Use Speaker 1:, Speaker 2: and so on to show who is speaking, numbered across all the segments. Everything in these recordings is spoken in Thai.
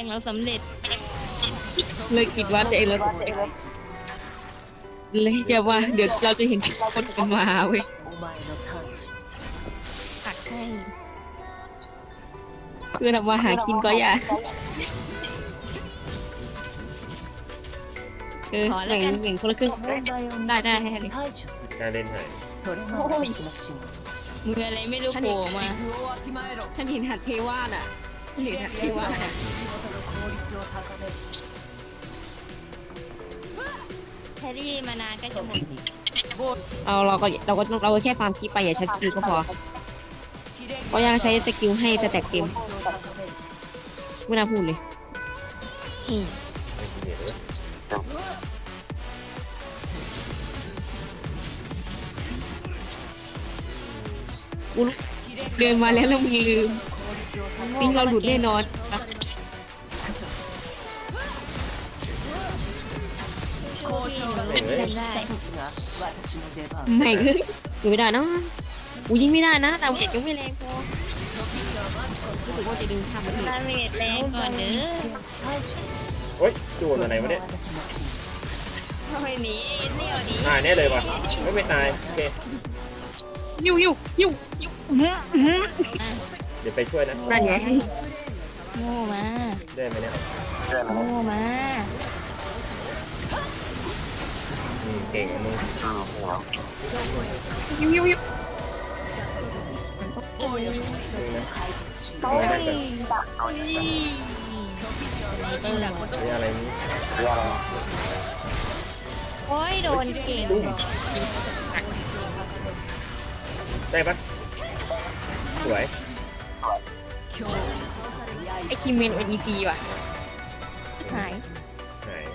Speaker 1: งเราสำเร็จ
Speaker 2: เลยคิดว่าตัวเองเราเลยจะว่าเดี๋ยวเราจะเห็นคนกันมาเว้ย
Speaker 1: ผักให้
Speaker 2: เพื่อทำมาหากินก็อย่าอย่างคนละครึ่งได้ให้เลย
Speaker 3: การเล่นไห้
Speaker 1: มืออะไรไม่รู้โผล่มา
Speaker 2: ฉันเห็นหัดเทวาน่ะเห็นหัดเทวาน่ะ
Speaker 1: แครี่มานานก็จะหมด
Speaker 2: เราก็แค่ฟาร์มคีไปอย่าใช้สกิลก็พอเพราะยังใช้สกิลให้สแต็กเต็มไม่น่าพูดเลย
Speaker 3: ไม่ขี้เหร่เลย
Speaker 2: เดินมาแล้วเราลืมปิ้งเราหลุดแน่นอน
Speaker 1: โคตรได้
Speaker 2: ไม่คืออยู่ไม่ได้นะกูยิงไม่ได้นะแต่เก็บยังไม่แรงพอรู้สึกว่าจะดึงทำมัน
Speaker 1: ดาเมจแรงก่อนเด้อ
Speaker 3: โอ๊ยจูนอะไรวะเนี่ย
Speaker 1: ทำไมหนีเนี่ยดี
Speaker 3: ตายแน่เลยว่ะไม่ตายโอเค
Speaker 2: ยิ้ว
Speaker 3: เดี๋ยวไปช่วยนะ
Speaker 2: นั่นไง
Speaker 1: โง่มา
Speaker 3: ได้ไหมเนี่ย
Speaker 1: โง่มา
Speaker 3: เก่งมึง
Speaker 2: ยิ้ว
Speaker 3: มึงนะ
Speaker 1: โอ้ย
Speaker 3: ไม่ได้กัน
Speaker 1: เออ
Speaker 3: มีอะไรนี้
Speaker 1: โอ้ยโดนเก่ง
Speaker 3: ได้ปะสวย
Speaker 2: ไอคิมเมนเอ็นอีจีว่ะ
Speaker 1: หาย
Speaker 3: หาย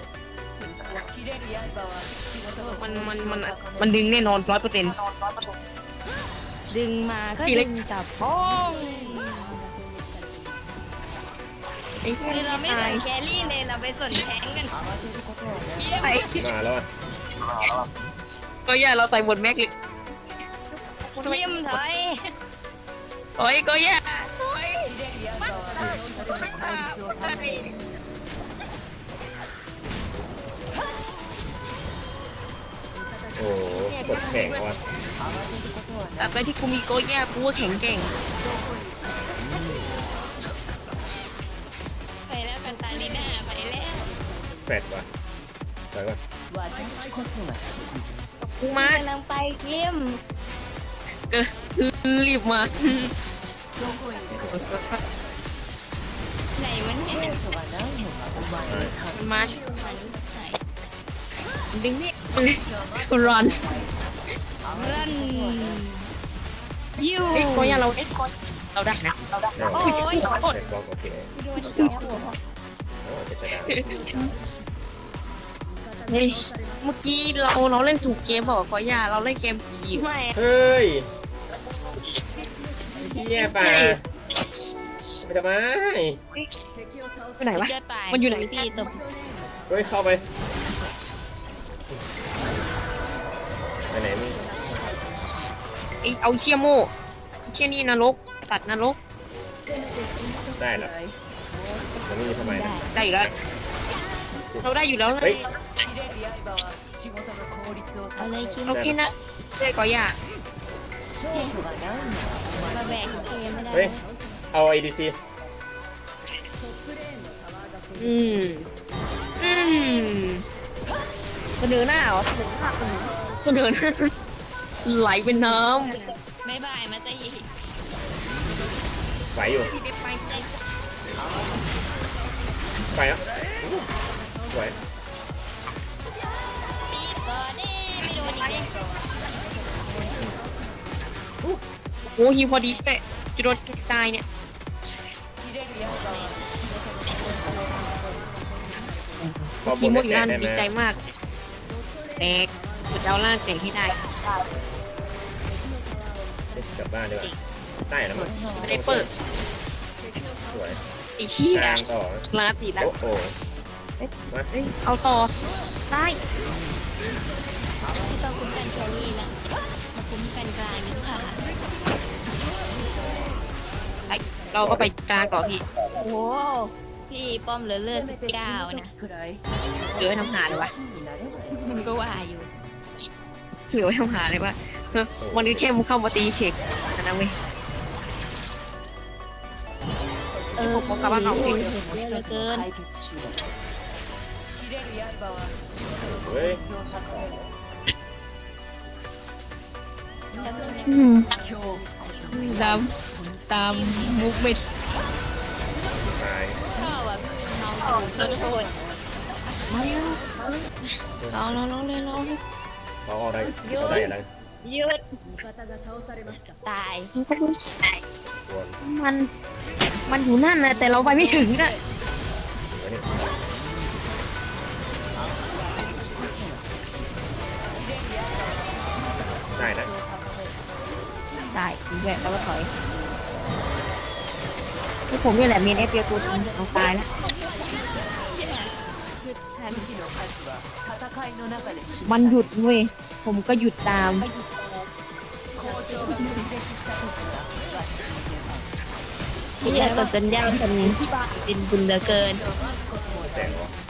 Speaker 2: มันดึงแน่นอน100%
Speaker 1: ดึงมาก็ดึงจับพ้อง คือเราไม่สนแครี่เลยเราไปสนแทงกัน
Speaker 2: ไอ้
Speaker 3: มาแล้วอ่ะ
Speaker 2: ก็อย่าเราใส่บนแม็กเลย
Speaker 1: เยี่ยมถอย
Speaker 2: โอ้ยก็อย่าโอ้ย
Speaker 3: โอ้กดแข่งว่ะ
Speaker 2: แต่ไปที่กูมีโก้แย่กูว่าแข็งเก่ง
Speaker 1: ไปแล้วกันตาลีน่าไปแล้ว
Speaker 3: แฟดว่ะสวยว่ะ
Speaker 2: กูมาก
Speaker 1: ำลังไปเยี่ยม
Speaker 2: รีบมา
Speaker 1: ไหนมันเนี่ย
Speaker 2: มันมาดึงนี่รอน
Speaker 1: รันยู
Speaker 2: ไอ้ก็อย่าเราได้นะ
Speaker 3: ได้ว่ะ
Speaker 1: โอ้ย
Speaker 3: แฟดบล็อกโอเค
Speaker 1: โดน
Speaker 3: โอ้จะชนะ
Speaker 2: เฮ้ยเมื่อกี้เราเล่นถูกเกมบอกก็อย่าเราเล่นเกมผี
Speaker 1: ไม่
Speaker 3: เฮ้ยเชี่ยป่ะไม่ทำไม
Speaker 2: ไปไหนวะ
Speaker 1: จะตาย
Speaker 2: มันอยู่ไหน
Speaker 1: พี่ตบ
Speaker 3: เฮ้ยเข้าไปไปไหนมึง
Speaker 2: ไอเอาเชี่ยโม่เชี่ยนี่นรกสัตว์นรก
Speaker 3: ได้เหรอแล้วนี่ทำไมนะ
Speaker 2: ได้อยู่แล้วเราได้อยู่แล้ว
Speaker 3: เฮ้ย
Speaker 1: เอาเลยคิม
Speaker 2: เรากินนะได้ก็อย่า
Speaker 1: มาแบกเกมไม่ได้
Speaker 3: เฮ้ยเอาไอดีซี
Speaker 2: อืมเสนอหน้าเหรอเสนอหน้าไหลเป็นน้
Speaker 1: ไม่บายมาจะยี
Speaker 3: ไหวอยู่
Speaker 2: ำที่ได้ไปไกล
Speaker 3: ไปแล้วสวย
Speaker 1: ปีก่อนนี่ไม่โดนอีกเลย
Speaker 2: โอ้ฮีพอดีเป๊ะจะโดนตายเนี่ยทีมหมดนั่นดีใจมากแตกสุดดาวล่างแตกให้ได้
Speaker 3: กลับบ้านดีกว่าได้แล้วมั้ง
Speaker 2: ไม่ได้เปิด
Speaker 3: สวย
Speaker 2: ไอ้เชี่ย
Speaker 3: กลางต่อ
Speaker 2: ลาตีแล้ว
Speaker 3: โอ้โหมา
Speaker 2: เอาต่อได้
Speaker 1: ที่ต้องคุ้มกันแครี่ละมาคุ้มกันกลางดีกว่า
Speaker 2: เราก็ไปกลางก่อนพี่
Speaker 1: โอ้โหพี่นี่ป้อมเหลือเลือด19นะ
Speaker 2: เหลือไว้ทำหาเลยวะ
Speaker 1: มันก็ว่าอยู่
Speaker 2: เหลือไว้ทำหาเลยวะวันนี้แค่มึงเข้ามาตีเช็คนะเว้ย ผมกลับบ้านเอาสิ
Speaker 1: เยอะเหลือเกิน
Speaker 3: เฮ้ย
Speaker 2: ตามตามมุกไม่
Speaker 3: ตาย
Speaker 1: ก็แบบเมาอยู่โทษ
Speaker 2: มาเร็วลองเลย
Speaker 3: เขาเอาได้เอาได้อะไร
Speaker 1: ยืดตาย
Speaker 3: ส่วน
Speaker 2: มันอยู่นั่นนะแต่เราไปไม่ถึงนะ
Speaker 3: อันนี้ได้นะ
Speaker 2: ได้สีแหวกแล้วก็ถอยพวกผมนี่แหละเมนเอฟเปียตัวชิงเอาตายแล้วมันหยุดเว้ยผมก็หยุดตาม
Speaker 1: ที่จะกดสัญญาณเป็นบุญเหลือเกิน
Speaker 3: แต่งวะ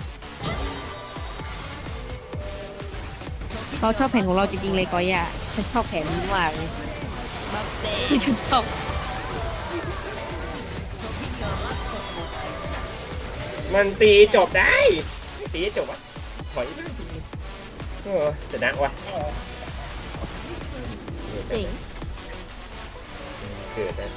Speaker 2: เขาชอบแผนของเราจริงๆเลยก็อย่าฉันชอบแผนนี้มากเลย
Speaker 1: บัฟเต้
Speaker 2: ฉันชอบ
Speaker 3: มันตีจบได้ตีจบวะถอยบ้างทีจะนักวะ
Speaker 1: จริง
Speaker 3: เกิดนะ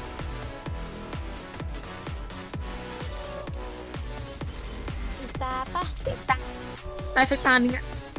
Speaker 1: ตาปะ
Speaker 2: ได้สักตานึงอะ